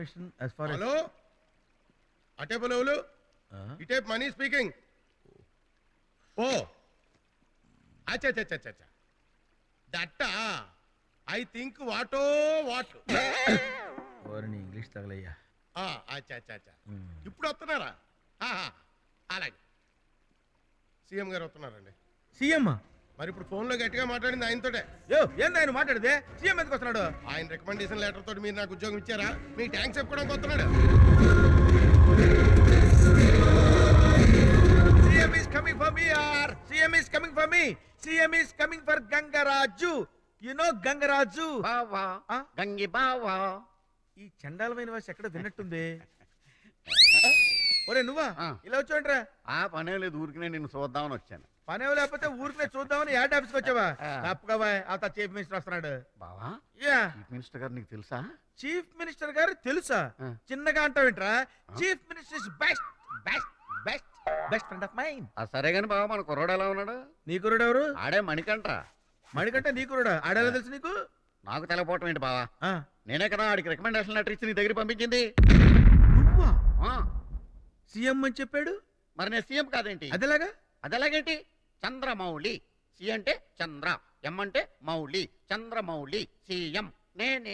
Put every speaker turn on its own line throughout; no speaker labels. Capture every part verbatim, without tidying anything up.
as far as
hello అటే బోలేవులు ఇటే money speaking ఓ అచ్చా అచ్చా అచ్చా అచ్చా that I think what what
ఓరని ఇంగ్లీష్ తగలయ్యా.
అచ్చా అచ్చా అచ్చా ఇప్పుడు వస్తున్నారా? అలాగే సీఎం గారు వస్తున్నారండి.
సీఎం
మరి ఇప్పుడు ఫోన్ లో గట్టిగా మాట్లాడింది ఆయనతోటే.
యో ఏంది ఆయన మాట్లాడితే సీఎం ఎందుకు వస్తున్నాడు?
ఆయన రికమెండేషన్ లెటర్ తోటి మీరు నాకు ఉద్యోగం ఇచ్చారా? మీ ట్యాంక్స్ చెప్పుకోవడానికి వస్తున్నాడు.
CM is coming for me or CM is coming for me CM is coming for Gangaraju. You know Gangaraju
బావా గంగి బావా.
ఈ చండాలమైన వాసి ఎక్కడ విన్నట్టుంది. ఒరే నువ్వా ఇలా వచ్చావంట్రా?
ఆ పనే లేదు, ఊరికి నిన్ను చూద్దామని వచ్చాను.
పనే లేకపోతే ఊరికే చూద్దామని యాడ్ ఆఫీస్కి వచ్చావా? తప్పగా అంత చీఫ్ మినిస్టర్ వస్తున్నాడు.
బావా
యా
చీఫ్ మినిస్టర్ గారు నీకు తెలుసా?
చీఫ్ మినిస్టర్ గారు తెలుసా? చిన్నగా అంటావేంట్రా? Chief minister is best best best best friend of mind.
ఆ సరే గాని బావా మన కుర్రోడు ఎలా ఉన్నాడు?
నీ కుర్రోడు ఎవరు?
ఆడే మణికంట.
మణికంటే నీ కుర్రోడా? ఆడేలా తెలుసు నీకు?
నాకు తెలపోవటం ఏంటి బావా? నేనే కదా ఆడికి రికమెండేషన్ లెటర్ ఇచ్చి నీ దగ్గర పంపించింది.
నువ్వా? సీఎం అని చెప్పాడు.
మరి నేను సీఎం కాదేంటి?
అదేలాగా
అదెలాగేంటి? చంద్రమౌళి. సి అంటే చంద్ర, ఎం అంటే మౌళి, చంద్రమౌళి సీఎం నేనే.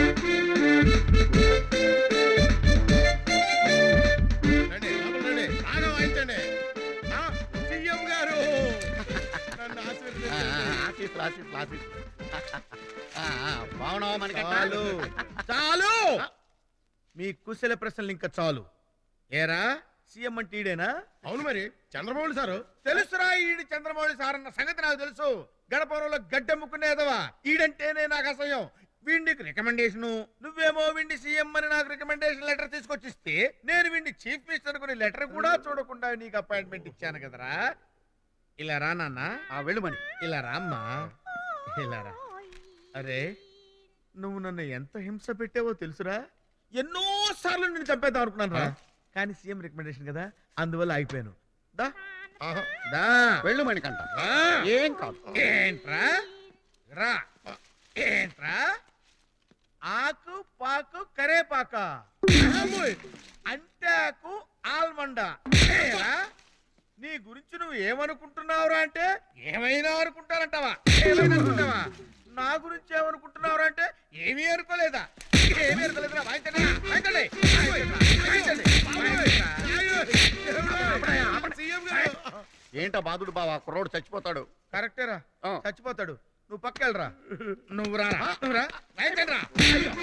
రండి లోపల రండి, బాగా వాయించండి. సీఎం గారు నన్ను ఆశీర్వదించండి.
బాగున్నావా మనకంట?
చాలు చాలు మీ కుశల ప్రశ్నలు ఇంకా చాలు. ఏరా సీఎం అంటే ఈడేనా?
అవును మరి చంద్రబాబు సారు.
తెలుసురా ఈడు చంద్రమౌళి సార్ అన్న సంగతి నాకు తెలుసు. గడపవరంలో గడ్డెమ్ముకునేదవా ఈడంటేనే నాకు అసహ్యం. వీడికి రికమెండేషను, నువ్వేమో వీడి సీఎం అని నాకు రికమెండేషన్ లెటర్ తీసుకొచ్చిస్తే నేను వీడి చీఫ్ మినిస్టర్ కొని లెటర్ కూడా చూడకుండా నీకు అపాయింట్మెంట్ ఇచ్చాను కదరా. ఇలా రా నాన్న.
వెళ్ళు మని.
ఇలా రా అమ్మా, ఇలా రా. అరే నువ్వు నన్ను ఎంత హింస పెట్టావో తెలుసురా. ఎన్నో సార్లు నేను చంపేద్దాం అనుకున్నాను రా, కానీ సీఎం రికమెండేషన్ కదా అందువల్ల ఆగిపోయాను. దా దా
వెళ్ళు మణికంట. ఏం కాదు.
ఏంట్రా రా, ఏంట్రా ఆకు పాకు కరేపాక అంటాకు ఆల్మండ. నీ గురించి నువ్వు ఏమనుకుంటున్నావురా అంటే ఏమైనా అనుకుంటానంటావా? ఏమైనా అనుకుంటావా? నా గురించి ఏమనుకుంటున్నావురా అంటే ఏమీ అనుకోలేదా? ఏమీ అనుకోలేదురా. వాయించండి వాయించండి వాయించండి.
ఏంటో బాధుడు బావా, కుర్రోడు చచ్చిపోతాడు.
కరెక్టేరా, చచ్చిపోతాడు. నువ్వు పక్కెళ్ళరా. నువ్వు రా, నువ్వు రా, వాయించండి రా.